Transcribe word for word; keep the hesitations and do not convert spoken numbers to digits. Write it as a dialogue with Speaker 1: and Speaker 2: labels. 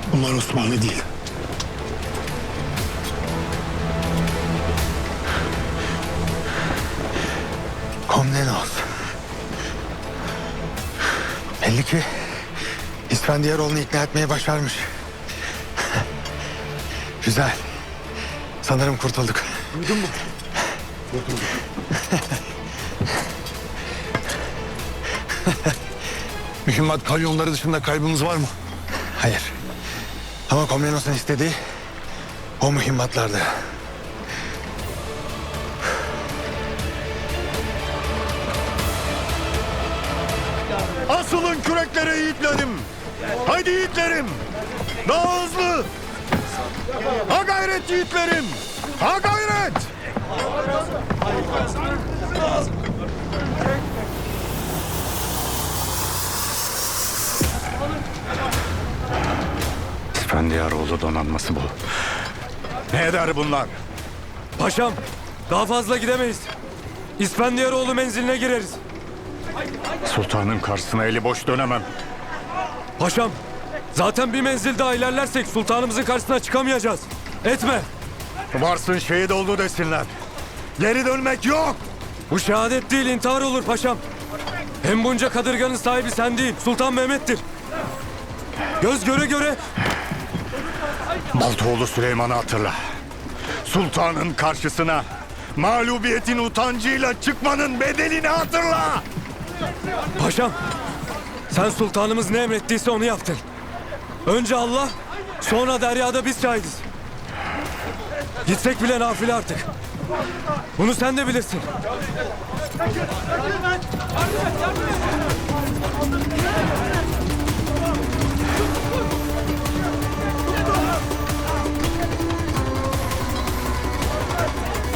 Speaker 1: Bunlar Osmanlı değil.
Speaker 2: Komnenos. Belli ki İsfendiyaroğlu'nu ikna etmeyi başarmış. Güzel. Sanırım kurtulduk.
Speaker 1: Duydun mu? Kurtulduk.
Speaker 3: Mühimmat kalyonları dışında kaybımız var mı?
Speaker 2: Hayır. Ama Komnenos'un istediği o mühimmatlardı.
Speaker 4: Asılın küreklere yiğitlerim. Haydi yiğitlerim. Daha hızlı. Ha gayret yiğitlerim. Ha gayret.
Speaker 5: İsfendiyaroğlu donanması bu.
Speaker 4: Ne eder bunlar?
Speaker 6: Paşam, daha fazla gidemeyiz. İsfendiyaroğlu menziline gireriz.
Speaker 5: Sultanın karşısına eli boş dönemem.
Speaker 6: Paşam, zaten bir menzil daha ilerlersek sultanımızın karşısına çıkamayacağız. Etme.
Speaker 4: Varsın şehit oldu desinler. Geri dönmek yok.
Speaker 6: Bu şehadet değil, intihar olur paşam. Hem bunca kadırganın sahibi sen değil, Sultan Mehmet'tir. Göz göre göre
Speaker 4: Baltoğlu Süleyman'ı hatırla. Sultanın karşısına mağlubiyetin utancıyla çıkmanın bedelini hatırla.
Speaker 6: paşam, sen sultanımız ne emrettiyse onu yaptın. Önce Allah, sonra deryada biz şahidiz. Gitsek bile nafile artık. Bunu sen de bilirsin.